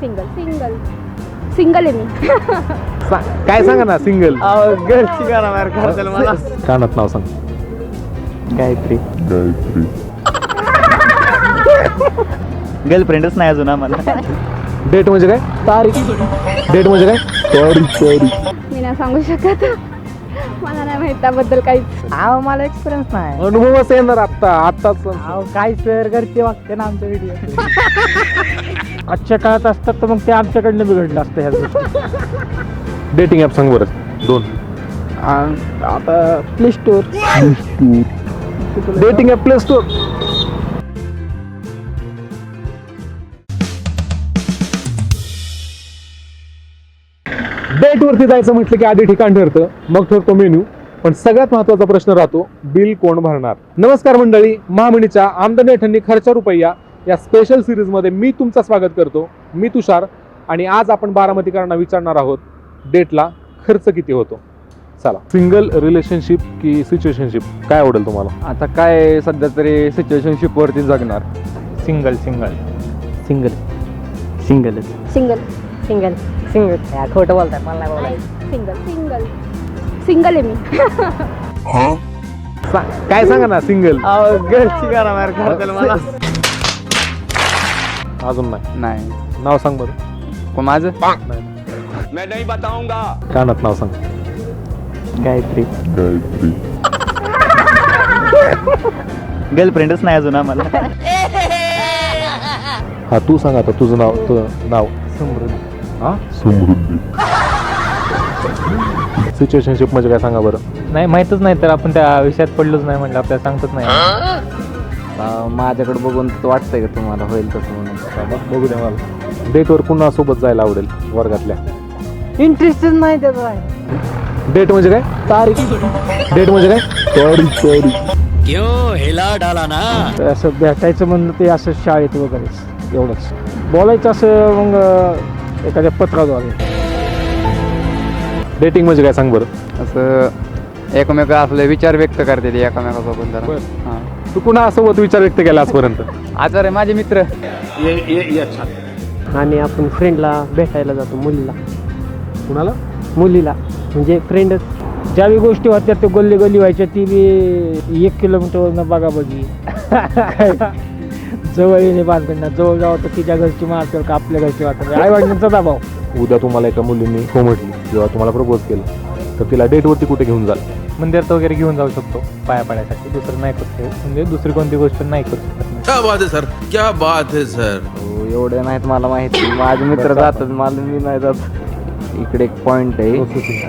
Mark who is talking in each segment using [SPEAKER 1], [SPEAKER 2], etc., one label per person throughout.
[SPEAKER 1] Single single single आहे मी.
[SPEAKER 2] काय सांगा ना सिंगल.
[SPEAKER 3] गर्लची गाणं बाहेर काढताल मला.
[SPEAKER 2] कानात नाव सांग.
[SPEAKER 3] गायत्री. गर्लफ्रेंडच नाही अजून आम्हाला.
[SPEAKER 2] डेट म्हणजे काय?
[SPEAKER 3] तारीख.
[SPEAKER 2] डेट म्हणजे काय? तारीख.
[SPEAKER 1] मी नाही सांगू शकत, मला नाही माहित त्याबद्दल काहीच.
[SPEAKER 3] मला एक्सपिरियन्स नाही.
[SPEAKER 2] अनुभवच येणार आत्ताच.
[SPEAKER 3] काय शेअर करते वागते ना आमच्या व्हिडिओ. आजच्या काळात असतात तर मग ते आमच्याकडनं बिघडलं असतं ह्या गोष्टी.
[SPEAKER 2] डेटिंग ॲप सांग बरं दोन.
[SPEAKER 3] आता play store.
[SPEAKER 2] Dating app play store. Date वरती जायचं म्हटलं की आधी ठिकाण ठरतं, मग ठरतो मेन्यू, पण सगळ्यात महत्वाचा प्रश्न राहतो बिल कोण भरणार. नमस्कार मंडळी, महामनीच्या आमदनी अठ्ठ्याण्णव खर्चा रुपया या स्पेशल सिरीज मध्ये मी तुमचं स्वागत करतो. मी तुषार आणि आज आपण बारामतीकरांना विचारणार आहोत डेटला खर्च किती होतो. चला, सिंगल रिलेशनशिप की सिच्युएशनशिप काय आवडेल तुम्हाला?
[SPEAKER 3] आता काय सध्या तरी सिच्युएशनशिप वरती जगणार. सिंगल सिंगल सिंगल सिंगलच.
[SPEAKER 1] Single single
[SPEAKER 3] single. खोटं बोलताय, मला नाही बोलाय.
[SPEAKER 1] सिंगल सिंगल सिंगल आहे मी.
[SPEAKER 2] काय सांगा ना सिंगल.
[SPEAKER 3] गर्लची गाणं बाहेर काढताल मला.
[SPEAKER 2] अजून नाही.
[SPEAKER 3] नाही.
[SPEAKER 2] नाव सांग बरं.
[SPEAKER 3] माझं
[SPEAKER 4] मैं नहीं बताऊंगा.
[SPEAKER 2] कानात नाव सांग.
[SPEAKER 3] गायत्री. गर्लफ्रेंडच नाही अजून आम्हाला.
[SPEAKER 2] हा तू सांग आता तुझं नाव.
[SPEAKER 3] समृद्धी.
[SPEAKER 2] हा समृद्धी. सिच्युएशनशिप म्हणजे काय सांगा बरं.
[SPEAKER 3] नाही माहितच नाही तर आपण त्या विषयात पडलोच नाही म्हटलं आपल्याला सांगतच नाही. माझ्याकडे बघून वाटतंय का तुम्हाला होईल तसं म्हणून.
[SPEAKER 2] बघू द्या मला. डेटवर पुन्हा सोबत जायला आवडेल वर्गातल्या.
[SPEAKER 3] इंटरेस्टच नाही त्याचा.
[SPEAKER 2] डेट म्हणजे काय?
[SPEAKER 3] तारीख.
[SPEAKER 2] डेट म्हणजे काय? तारीख.
[SPEAKER 4] क्यों हिला डाला ना.
[SPEAKER 3] असं भेटायचं म्हणलं ते असं शाळेत वगैरेच एवढंच. बोलायचं असं मग एखाद्या पत्राद्वारे.
[SPEAKER 2] डेटिंग म्हणजे काय सांग बरं.
[SPEAKER 3] असं एकमेक आपले विचार व्यक्त करते ते एकमेकासोबत जरा.
[SPEAKER 2] बरं.
[SPEAKER 3] हां.
[SPEAKER 2] तू पुन्हा सोबत विचार व्यक्त केला आजपर्यंत?
[SPEAKER 3] आचार्य माझे मित्र.
[SPEAKER 4] ये अच्छा.
[SPEAKER 5] आणि आपण फ्रेंडला भेटायला जातो
[SPEAKER 2] कुणाला?
[SPEAKER 5] मुलीला म्हणजे फ्रेंडच.
[SPEAKER 3] ज्यावेळी गोष्टी होत्या ते गल्ली गल्ली व्हायच्या ती बी 1 किलोमीटरवरनं बघा बघी. जवळ येणे बांधणं जवळ जावं तर तिच्या घरची मारतो का आपल्या घरची वाटत. आई वडिलांचा दबाव.
[SPEAKER 2] उद्या तुम्हाला एका मुलीने हो म्हटली किंवा तुम्हाला प्रपोज केलं तर तिला डेटवरती कुठे घेऊन जाल?
[SPEAKER 3] मंदिरात वगैरे घेऊन जाऊ शकतो पाया पडायसाठी. दुसरं नाही करू म्हणजे दुसरी कोणती गोष्ट नाही करू शकत.
[SPEAKER 4] क्या बात है सर, क्या बात है सर.
[SPEAKER 3] एवढे नाहीत मला माहिती. माझे मित्र जातात, मला मी नाही जात. इकडे एक पॉइंट आहे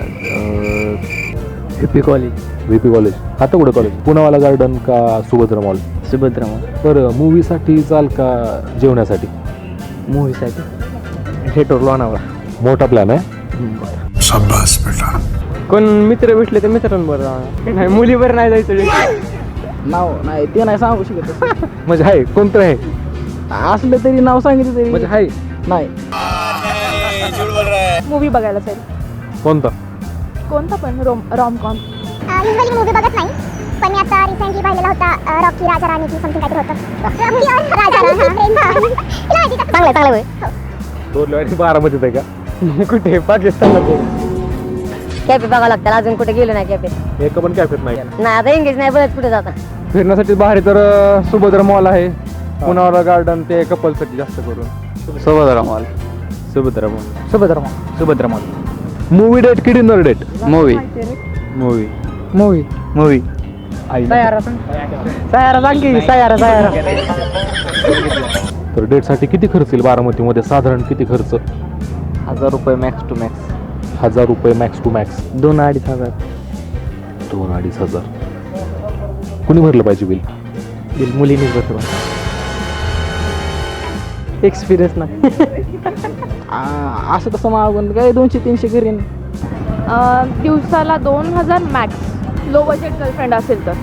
[SPEAKER 5] व्हीपी कॉलेज.
[SPEAKER 2] VP college. आता कुठे कॉलेज? पुनावाला गार्डन का सुभद्रा मॉल?
[SPEAKER 5] सुभद्रा मॉल.
[SPEAKER 2] बरं, मूवीसाठी चाल का जेवण्यासाठी?
[SPEAKER 5] मूवीसाठी थिएटर लोणावळा.
[SPEAKER 2] मोठा प्लॅन आहे.
[SPEAKER 4] शाबाश बेटा.
[SPEAKER 5] कोण मित्र भेटले तर मित्रांबरोबर. नाही मुलीवर नाही जायचं.
[SPEAKER 3] नाव नाही ते नाही सांगू शकत.
[SPEAKER 2] म्हणजे आहे कोणतं आहे?
[SPEAKER 3] असलं तरी नाव सांगितलं तरी
[SPEAKER 2] म्हणजे आहे
[SPEAKER 3] नाही.
[SPEAKER 1] मूवी बघायला जाईल.
[SPEAKER 2] कोणता?
[SPEAKER 1] कोणता पण रॉमकॉम.
[SPEAKER 6] युजली मूवी बघत नाही, पण मी आता रिसेंटली पाहिलेला होता रॉकी राजा राणी की समथिंग काहीतरी होतं. रॉकी और राजा राणी. चांगलं होय.
[SPEAKER 2] दोन बारामतीत आहे का?
[SPEAKER 5] कुठे? पाकिस्तानला.
[SPEAKER 7] कॅफे बघावं लागतं. अजून कुठे गेलो नाही कॅफे.
[SPEAKER 2] एका पण कॅफेत नाही.
[SPEAKER 7] नाही आता इंग्लिश नाही बोलत कुठे जाता.
[SPEAKER 3] फिरण्यासाठी बाहेर तर सुभद्रा मॉल आहे. पुनावाला गार्डन ते कपलसाठी जास्त करून. Subhadra mall.
[SPEAKER 5] Subhadra mall.
[SPEAKER 3] Subhadra mall. Subhadra mall.
[SPEAKER 2] Movie date की dinner date?
[SPEAKER 3] Movie movie movie movie.
[SPEAKER 7] Saiyaara सांग की. सयारा.
[SPEAKER 2] तर डेटसाठी किती खर्च येईल बारामतीमध्ये? साधारण किती खर्च?
[SPEAKER 3] 1000 रुपये मॅक्स टू मॅक्स.
[SPEAKER 2] 1000 रुपये मॅक्स टू मॅक्स.
[SPEAKER 5] 2-2.5 हजार.
[SPEAKER 2] 2-2.5 हजार. कुणी भरलं पाहिजे बिल?
[SPEAKER 5] बिल मुलीने बसवा. एक्सपिरियन्स नाही.
[SPEAKER 3] असं तसं मागून काय 200-300 करीन.
[SPEAKER 1] दिवसाला 2000 मॅक्स. लो बजेट गर्लफ्रेंड असेल तर.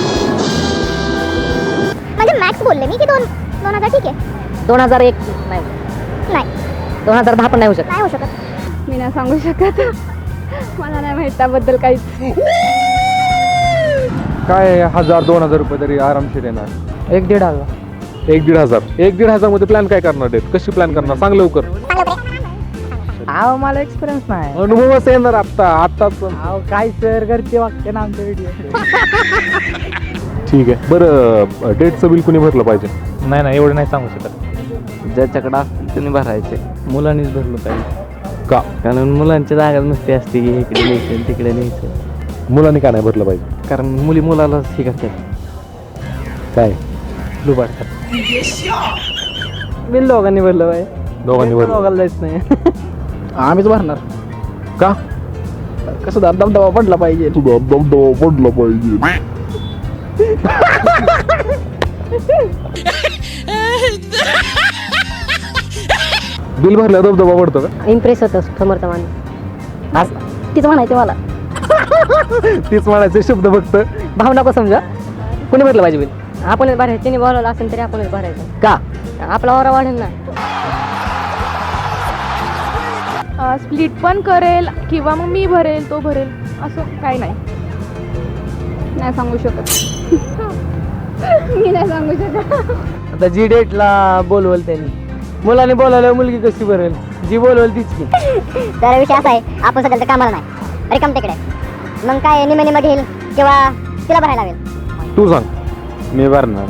[SPEAKER 6] म्हणजे मॅक्स बोलले मी की 2000 ठीक आहे.
[SPEAKER 7] 2001 नाही.
[SPEAKER 6] नाही
[SPEAKER 7] 2010 पण नाही होऊ शकत.
[SPEAKER 6] नाही होऊ शकत.
[SPEAKER 1] मी नाही सांगू शकत, मला नाही माहित त्याबद्दल काहीच.
[SPEAKER 3] काय 1000-2000 रुपये तरी आरामशीर येणार.
[SPEAKER 5] 1-1.5 हजार.
[SPEAKER 2] 1,500 1,500 मध्ये प्लॅन काय करणार डेट कशी प्लॅन करणार सांग लवकर.
[SPEAKER 3] अहो मला एक्सपिरियन्स नाही.
[SPEAKER 2] अनुभवच येणार आत्ताच.
[SPEAKER 3] अहो काय सर घरचे वागते ना आमच्या व्हिडिओ.
[SPEAKER 2] ठीक आहे बरं डेटचं बिल कुणी भरलं पाहिजे.
[SPEAKER 3] नाही एवढं नाही सांगू शकत.
[SPEAKER 5] ज्याच्याकडे असतील त्यांनी भरायचे.
[SPEAKER 3] मुलांनीच भरलं पाहिजे.
[SPEAKER 2] का
[SPEAKER 5] कारण मुलांच्या जागा नुसती असते की इकडे न्यायचं तिकडे न्यायचं.
[SPEAKER 2] मुलांनी का नाही भरलं पाहिजे.
[SPEAKER 5] कारण मुलाला हे करतात
[SPEAKER 2] काय
[SPEAKER 5] लुबाडतात. बिल दोघांनी भरलं पाहिजे.
[SPEAKER 2] दोघांनी भरलं
[SPEAKER 5] दोघांना जायचं नाही.
[SPEAKER 3] आम्हीच भरणार.
[SPEAKER 2] का
[SPEAKER 3] कसं दबदबा पडला पाहिजे.
[SPEAKER 2] पडलं पाहिजे. बिल भरल्या दबदबा पडतो का.
[SPEAKER 7] इम्प्रेस होतं समर्थ माणूस.
[SPEAKER 3] आज तीच म्हणायचं मला.
[SPEAKER 2] तीच म्हणायचे शब्द फक्त.
[SPEAKER 7] भाव नको समजा. कोणी भरलं पाहिजे बिल. आपणच भरायचं. तिने बोलावलं असेल तरी आपणच भरायचं.
[SPEAKER 3] का
[SPEAKER 7] आपला वारा वाढेल ना.
[SPEAKER 1] स्प्लिट पण करेल किंवा मग मी भरेल तो भरेल असं काही नाही. नाही सांगू शकत. मी नाही सांगू शकत.
[SPEAKER 5] आता जी डेटला बोलवल त्यांनी मुलाने बोलावलं मुलगी कशी भरेल. जी बोलवल तीच की.
[SPEAKER 6] तर विषय असा आहे आपण सध्या तर कामाला नाही रिकाम तिकडे. मग काय निमे घेईल किंवा तिला भरायला लागेल.
[SPEAKER 2] तू सांग.
[SPEAKER 5] मी भरणार.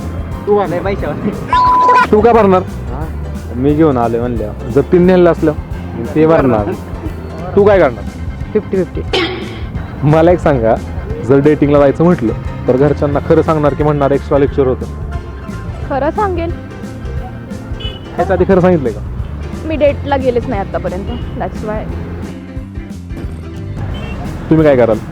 [SPEAKER 2] तू का भरणार.
[SPEAKER 5] मी घेऊन आलोय म्हणल्या
[SPEAKER 2] जर तीन नेलं असलं
[SPEAKER 5] ते भरणार.
[SPEAKER 2] तू काय करणार.
[SPEAKER 5] 50-50.
[SPEAKER 2] मला एक सांगा जर डेटिंगला जायचं म्हटलं तर घरच्यांना खरं सांगणार की म्हणणार एक्स्ट्रा लेक्चर होतं.
[SPEAKER 1] खरं सांगेल.
[SPEAKER 2] ह्याच्या आधी खरं सांगितलंय का.
[SPEAKER 1] मी डेटला गेलेच नाही आतापर्यंत. That's why.
[SPEAKER 2] तुम्ही काय कराल.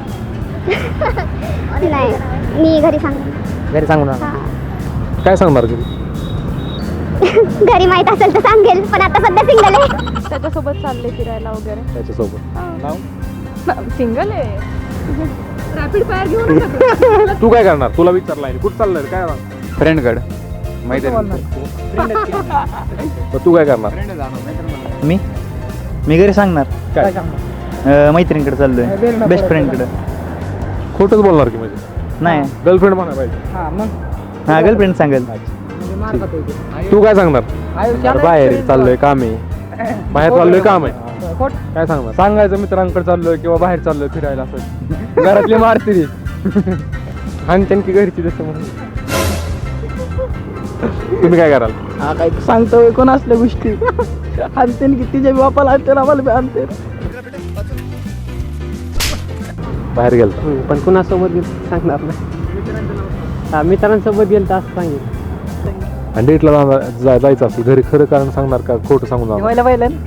[SPEAKER 6] नाही मी घरी सांग.
[SPEAKER 5] घरी सांगू ना.
[SPEAKER 2] काय सांगणार की.
[SPEAKER 6] घरी माहित असेल तर सांगेल पण आता सध्या सिंगल आहे.
[SPEAKER 1] त्याच्यासोबत चालले फिरायला वगैरे.
[SPEAKER 2] त्याच्यासोबत
[SPEAKER 1] सिंगल आहे. रॅपिड फायर घेऊ नका.
[SPEAKER 2] तू काय करणार. तुला विचारलाय कुठं चाललंय काय
[SPEAKER 5] फ्रेंडकडे माहिती
[SPEAKER 2] तू काय करणार.
[SPEAKER 5] मी घरी सांगणार.
[SPEAKER 2] काय
[SPEAKER 5] मैत्रिणीकडे चाललोय. बेस्ट फ्रेंडकडे.
[SPEAKER 2] खोटंच बोलणार की म्हणजे.
[SPEAKER 5] नाही
[SPEAKER 2] गर्लफ्रेंड म्हणा पाहिजे.
[SPEAKER 5] हा गर्लफ्रेंड सांगेल.
[SPEAKER 2] तू काय सांगणार.
[SPEAKER 5] बाहेर चाललोय काम आहे.
[SPEAKER 2] बाहेर चाललोय काम आहे. काय सांगणार.
[SPEAKER 5] सांगायचं मित्रांकडे चाललोय किंवा बाहेर चाललोय फिरायला असं. घरातली मारती आणि त्यांची घरची जसं म्हणून.
[SPEAKER 2] तुम्ही काय कराल.
[SPEAKER 3] हा काय सांगतो कोण असल्या गोष्टी. आणते की तिच्या बापाला आणते आम्हाला बी आणते.
[SPEAKER 2] बाहेर गेलं
[SPEAKER 5] पण कुणासोबत सांगणार नाही. मित्रांसोबत गेलं तर असं सांगेल.
[SPEAKER 2] आणि डेटला जायचं असेल घरी खरं कारण सांगणार का खोटं सांगून जाणार.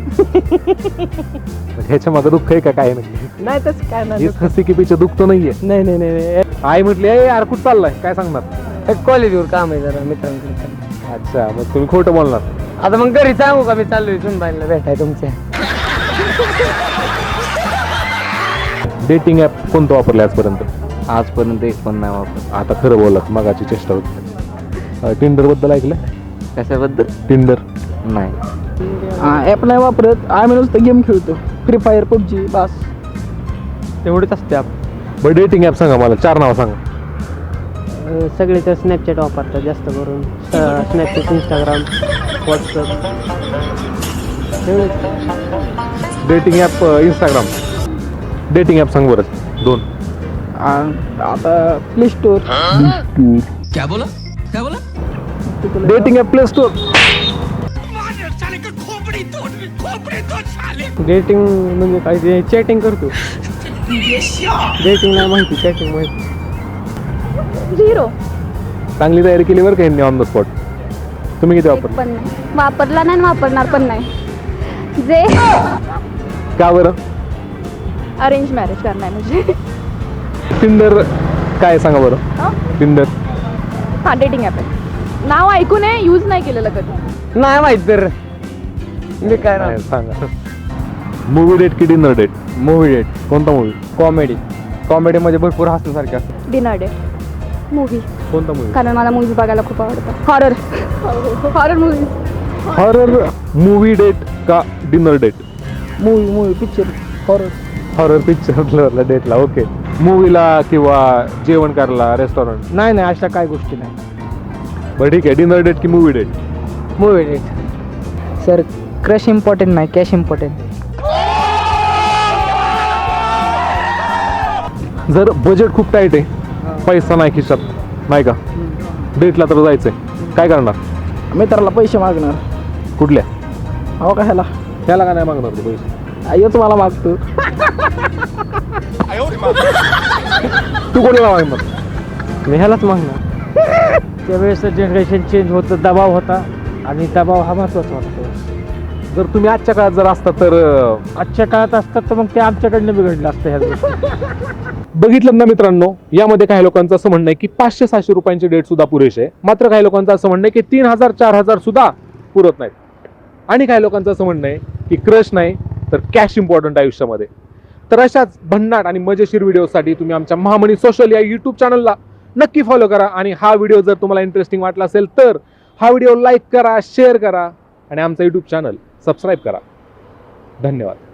[SPEAKER 2] ह्याच्या मागं दुःख आहे का काय नाही.
[SPEAKER 3] नाही तसं काय नाही.
[SPEAKER 2] हेच हसी की पिछे दुःख तर नाहीये.
[SPEAKER 3] नाही
[SPEAKER 2] आई म्हटली ए यार कुठं चाललाय काय सांगणार.
[SPEAKER 5] कॉलेजवर काम आहे जरा मित्रांकडे.
[SPEAKER 2] अच्छा मग तुम्ही खोटं बोलणार.
[SPEAKER 5] आता मग घरी सांगू का मी चाललोय सुनबाईला भेटाय तुमच्या.
[SPEAKER 2] डेटिंग ऍप कोणतं वापरलं आजपर्यंत.
[SPEAKER 5] आजपर्यंत एक पण नाही वापरत.
[SPEAKER 2] आता खरं बोलत मगाची चेष्टा होती. टिंडर बद्दल ऐकलं.
[SPEAKER 5] कशाबद्दल.
[SPEAKER 2] टिंडर
[SPEAKER 5] नाही.
[SPEAKER 3] ॲप नाही वापरत. आम्ही नुसतं गेम खेळतो. फ्री फायर पबजी बस
[SPEAKER 5] तेवढेच असते आप.
[SPEAKER 2] बरं डेटिंग ऍप सांगा मला 4 नावं सांगा.
[SPEAKER 5] सगळे तर स्नॅपचॅट वापरतात जास्त करून. Snapchat Instagram WhatsApp.
[SPEAKER 2] Dating app Instagram. Dating app सांग बरं 2.
[SPEAKER 3] आता प्ले स्टोर.
[SPEAKER 4] क्या बोला क्या बोला.
[SPEAKER 2] Dating app play store.
[SPEAKER 5] Dating म्हणजे काय ते चॅटिंग करतो. डेटिंग नाही माहिती चॅटिंग माहिती.
[SPEAKER 1] 0.
[SPEAKER 2] चांगली तयारी केली बरं का ह्यांनी ऑन द स्पॉट. तुम्ही किती वापरलं.
[SPEAKER 1] पण नाही वापरला नाही आणि वापरणार पण नाही. जे
[SPEAKER 2] का बरं.
[SPEAKER 1] अरेंज मॅरेज करणार म्हणजे.
[SPEAKER 2] टिंडर काय सांगा बरं. टिंडर
[SPEAKER 1] हां डेटिंग ॲप आहे. नाव ऐकून आहे यूज नाही केलेलं कधी.
[SPEAKER 5] नाही माहित तर मी काय ना.
[SPEAKER 2] सांगा. मूवी डेट की डिनर डेट.
[SPEAKER 5] Movie date.
[SPEAKER 2] कोणता मूवी.
[SPEAKER 5] कॉमेडी मध्ये भरपूर हसण्यासारखे असतात.
[SPEAKER 1] Dinner date movie.
[SPEAKER 2] कोणता मूवी.
[SPEAKER 1] कारण मला मूवीज बघायला खूप आवडतं. Horror movies.
[SPEAKER 2] Horror movie date का dinner date.
[SPEAKER 3] Movie picture horror.
[SPEAKER 2] Horror picture डेटला ओके. मूवीला किंवा जेवण करायला रेस्टॉरंट.
[SPEAKER 3] नाही अशा काय गोष्टी नाही.
[SPEAKER 2] बरं ठीक आहे, डिनर डेट की movie date?
[SPEAKER 3] Movie date. Sir crush important नाही, कॅश इम्पॉर्टंट.
[SPEAKER 2] जर बजेट खूप टाईट आहे, पैसा नाही खिशात, नाही का, डेटला तर जायचंय, काय करणार?
[SPEAKER 3] मित्राला पैसे मागणार.
[SPEAKER 2] कुठल्या?
[SPEAKER 3] अहो का ह्याला
[SPEAKER 2] त्याला का नाही मागणार तू पैसे?
[SPEAKER 3] आयोच मला मागतो.
[SPEAKER 2] तू कोणाला मागणार?
[SPEAKER 3] मी ह्यालाच मागणार. त्यावेळेस जनरेशन चेंज होतं, दबाव होता आणि दबाव हा महत्वाचा होता.
[SPEAKER 2] जर तुम्ही आजच्या काळात जर असता तर
[SPEAKER 3] आजच्या काळात असतात तर मग ते आमच्याकडनं बिघडलं असतं ह्या गोष्टी.
[SPEAKER 2] बघितलं ना मित्रांनो, यामध्ये काही लोकांचं असं म्हणणं आहे की 500-600 रुपयांची डेट सुद्धा पुरेशी आहे, मात्र काही लोकांचं असं म्हणणं आहे की 3000-4000 सुद्धा पुरत नाहीत, आणि काही लोकांचं असं म्हणणं आहे की क्रश नाही तर कॅश इम्पॉर्टंट आयुष्यामध्ये. तर अशाच भन्नाट आणि मजेशीर व्हिडिओसाठी तुम्ही आमच्या महामणी सोशल या यूट्यूब चॅनलला नक्की फॉलो करा, आणि हा व्हिडिओ जर तुम्हाला इंटरेस्टिंग वाटला असेल तर हा व्हिडिओ लाईक करा, शेअर करा आणि आमचा यूट्यूब चॅनल सबस्क्राईब करा. धन्यवाद.